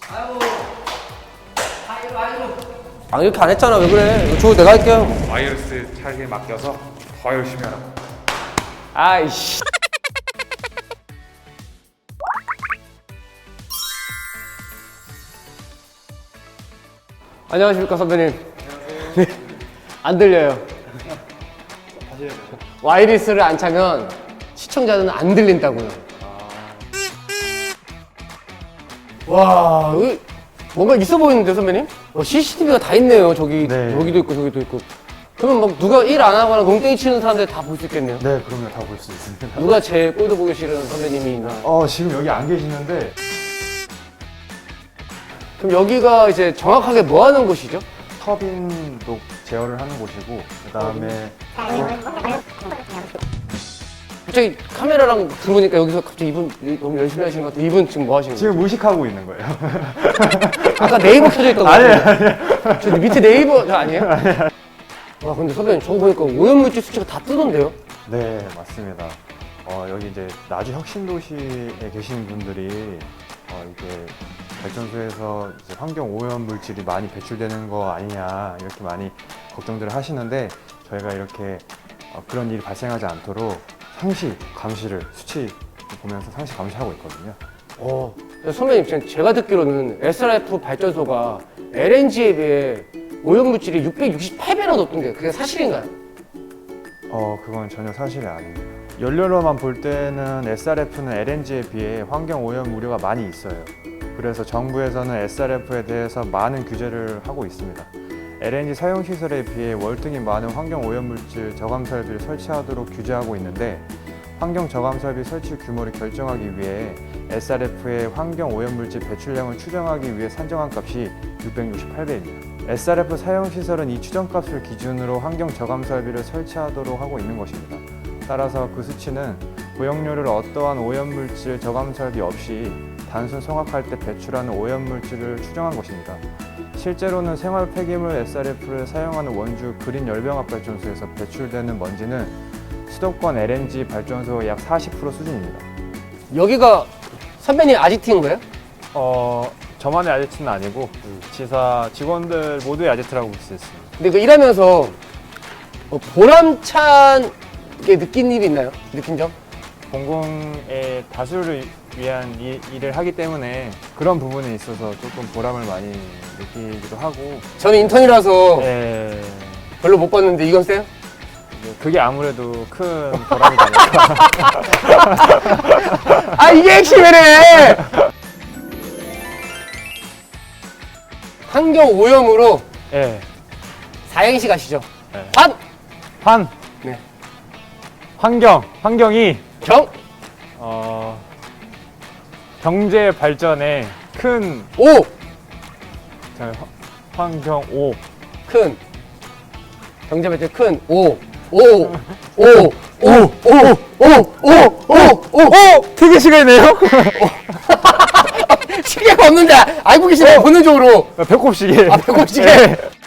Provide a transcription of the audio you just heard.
아, 이렇게 안 했잖아. 왜 그래? 이거 주고 내가 할게요. 바이러스 차게 맡겨서 더 열심히 하라고. 아이씨. 안녕하십니까, 선배님. 네. 안 들려요. 와이리스를 안 차면 시청자는 안 들린다고요. 와, 여기 뭔가 있어 보이는데, 선배님? CCTV가 다 있네요. 저기, 네. 여기도 있고, 저기도 있고. 그러면 막 누가 일 안 하거나 농땡이 치는 사람들 다 볼 수 있겠네요. 네, 그럼요. 다 볼 수 있습니다. 누가 제일 꼴도 보기 싫은 선배님이나. 지금 여기 안 계시는데, 그럼 여기가 이제 정확하게 뭐 하는 곳이죠? 터빈도 제어를 하는 곳이고, 그 다음에, 갑자기 카메라랑 들어보니까 여기서 갑자기 이분 너무 열심히 하시는 것 같아요. 이분 지금 뭐 하시는 거예요? 지금 의식하고 있는 거예요. 아까 네이버 켜져 있던 거 아니에요? 저 밑에 네이버 저 아니에요? 와, 근데 선배님 저거 보니까 오염물질 수치가 다 뜨던데요? 네, 맞습니다. 여기 이제 나주 혁신도시에 계신 분들이, 이게 발전소에서 이제 환경 오염 물질이 많이 배출되는 거 아니냐, 이렇게 많이 걱정들을 하시는데, 저희가 이렇게 그런 일이 발생하지 않도록 상시 감시를, 수치 보면서 상시 감시하고 있거든요. 선배님, 제가 듣기로는 SRF 발전소가 LNG에 비해 오염물질이 668배나 높던데 그게 사실인가요? 그건 전혀 사실이 아닙니다. 연료로만 볼 때는 SRF는 LNG에 비해 환경 오염 우려가 많이 있어요. 그래서 정부에서는 SRF에 대해서 많은 규제를 하고 있습니다. LNG 사용 시설에 비해 월등히 많은 환경 오염물질 저감 설비를 설치하도록 규제하고 있는데, 환경 저감 설비 설치 규모를 결정하기 위해 SRF의 환경 오염물질 배출량을 추정하기 위해 산정한 값이 668배입니다. SRF 사용 시설은 이 추정값을 기준으로 환경 저감 설비를 설치하도록 하고 있는 것입니다. 따라서 그 수치는 고용료를 어떠한 오염물질 저감 설비 없이 단순 성악할 때 배출하는 오염물질을 추정한 것입니다. 실제로는 생활 폐기물 SRF를 사용하는 원주 그린 열병합 발전소에서 배출되는 먼지는 수도권 LNG 발전소의 약 40% 수준입니다. 여기가 선배님 아지트인 거예요? 저만의 아지트는 아니고 지사 직원들 모두의 아지트라고 볼 수 있습니다. 근데 그 일하면서 보람찬 게 느낀 일이 있나요? 느낀 점? 공공의 다수를 위한 일을 하기 때문에 그런 부분에 있어서 조금 보람을 많이 느끼기도 하고. 저는 인턴이라서 네, 별로 못 봤는데 이건 세요? 그게 아무래도 큰 보람이지 않을까. 아, 이게 핵심이네! 환경 오염으로 네. 사행시 가시죠. 네. 환! 네. 환경이 경! 경제 발전에 큰 오! 환경 오. 큰. 경제 발전 큰. 오. 오. 오. 오. 오. 오. 오. 되게 시간이네요. 시계가 없는데 알고 계시네요. 본능적으로. 배꼽시계. 배꼽시계. 네.